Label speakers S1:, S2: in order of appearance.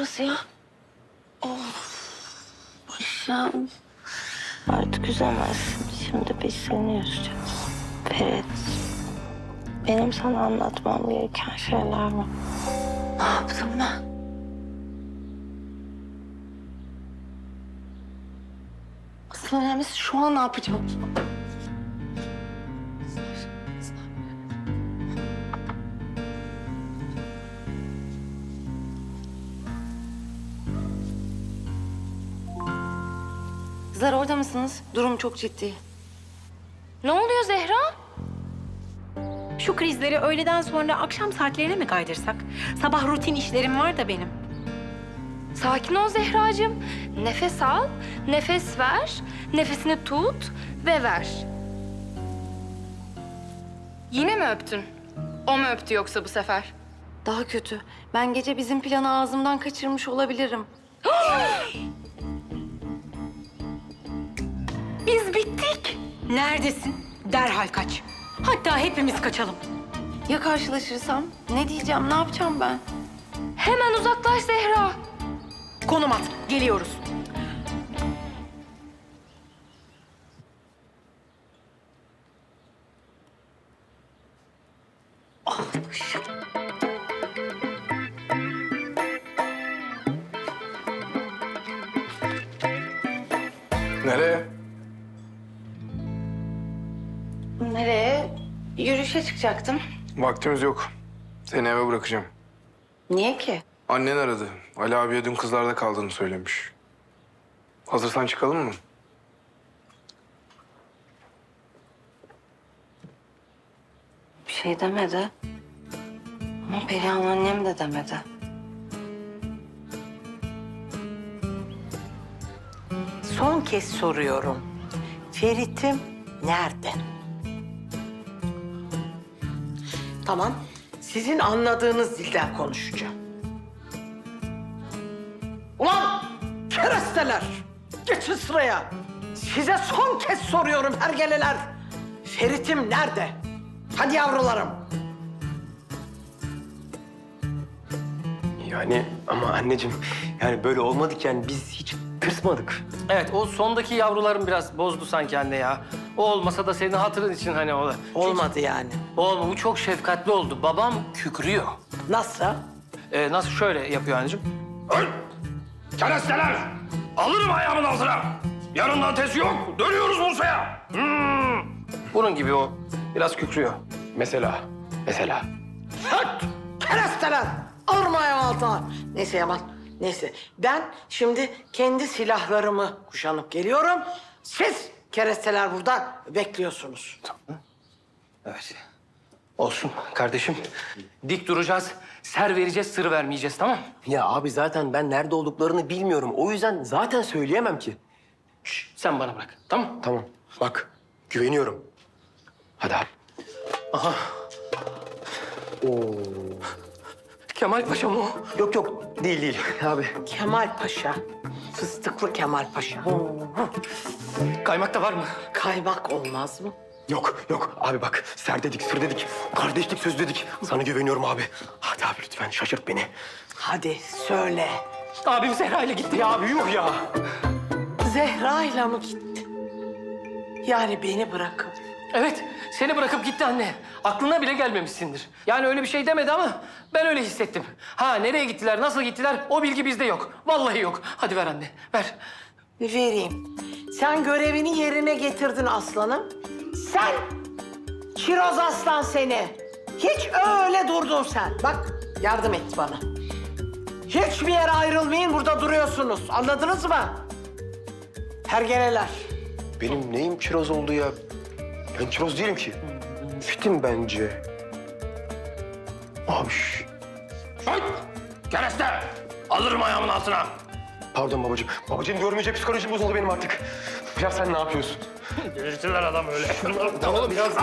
S1: burası ya? Of. Başım. Artık üzemezsin. Şimdi biz seni üzeceğiz. Ferit. Benim sana anlatmam gereken şeyler var. Ne yaptım ben? Asıl önemlisi şu an ne yapacağım? Kızlar orada mısınız? Durum çok ciddi.
S2: Ne oluyor Zehra?
S3: Şu krizleri öğleden sonra akşam saatlerine mi kaydırsak? Sabah rutin işlerim var da benim.
S2: Sakin ol Zehracığım. Nefes al, nefes ver, nefesini tut ve ver. Yine mi öptün? O mu öptü yoksa bu sefer?
S1: Daha kötü. Ben gece bizim planı ağzımdan kaçırmış olabilirim.
S3: Biz bittik. Neredesin? Derhal kaç. Hatta hepimiz kaçalım.
S1: Ya karşılaşırsam? Ne diyeceğim, ne yapacağım ben?
S2: Hemen uzaklaş Zehra.
S3: Konum at. Geliyoruz.
S4: Nereye?
S1: Nereye? Yürüyüşe çıkacaktım.
S4: Vaktimiz yok. Seni eve bırakacağım.
S1: Niye ki?
S4: Annen aradı. Ali abiye dün kızlarda kaldığını söylemiş. Hazırsan çıkalım mı?
S1: Bir şey demedi. Ama Perihan annem de demedi.
S5: Son kez soruyorum. Ferit'im nerede? Tamam, sizin anladığınız dilden konuşacağım. Ulan keresteler! Geçin sıraya. Size son kez soruyorum hergeleler. Ferit'im nerede? Hadi yavrularım.
S6: Yani ama anneciğim yani böyle olmadık yani biz hiç tırsmadık.
S7: Evet, o sondaki yavrularım biraz bozdu sanki anne ya. O olmasa da senin hatırın için hani o.
S5: Olmadı yani.
S7: Olma, bu çok şefkatli oldu. Babam kükrüyor.
S5: Nasıl?
S7: Nasıl şöyle yapıyor anneciğim?
S8: Keresteler! Alırım ayağımın altına! Yarından tezi yok, dönüyoruz Bursa'ya!
S7: Bunun gibi o. Biraz kükrüyor.
S6: Mesela.
S5: Hıt! Keresteler! Alırma ayağım altına. Neyse Yaman, neyse. Ben şimdi kendi silahlarımı kuşanıp geliyorum. Siz keresteler burada bekliyorsunuz.
S7: Evet. Olsun kardeşim. Dik duracağız, ser vereceğiz, sır vermeyeceğiz, tamam?
S6: Ya abi zaten ben nerede olduklarını bilmiyorum. O yüzden zaten söyleyemem ki.
S7: Şş, sen bana bırak, tamam?
S6: Tamam bak güveniyorum. Hadi abi.
S7: Kemal Paşa mı o?
S6: Yok değil abi.
S5: Kemal Paşa, fıstıklı Kemal Paşa.
S7: Kaymak da var mı?
S5: Kaymak olmaz mı?
S6: Yok abi bak ser dedik sır dedik. Kardeşlik söz dedik. Sana güveniyorum abi. Hadi abi lütfen şaşırt beni.
S5: Hadi söyle.
S7: Abim Zehra ile gitti.
S6: Ya abi yuh ya.
S5: Zehra'yla mı gitti? Yani beni bırakıp.
S7: Evet, seni bırakıp gitti anne. Aklına bile gelmemişsindir. Yani öyle bir şey demedi ama ben öyle hissettim. Ha, nereye gittiler, nasıl gittiler o bilgi bizde yok. Vallahi yok. Hadi ver anne, ver.
S5: Vereyim. Sen görevini yerine getirdin aslanım. Sen, Kiroz Aslan seni. Hiç öyle durdun sen. Bak, yardım et bana. Hiçbir yere ayrılmayın, burada duruyorsunuz. Anladınız mı? Hergeleler.
S6: Benim neyim kiroz oldu ya? Ben kiroz değilim ki. Fitim bence. Abi
S8: Hıt! Kereste! Alırım ayağımın altına!
S6: pardon babacığım. Babacığım görmeyecek psikolojim bozuldu benim artık. Ya sen ne yapıyorsun?
S8: Delirtirler adam öyle.
S6: Tamam biraz.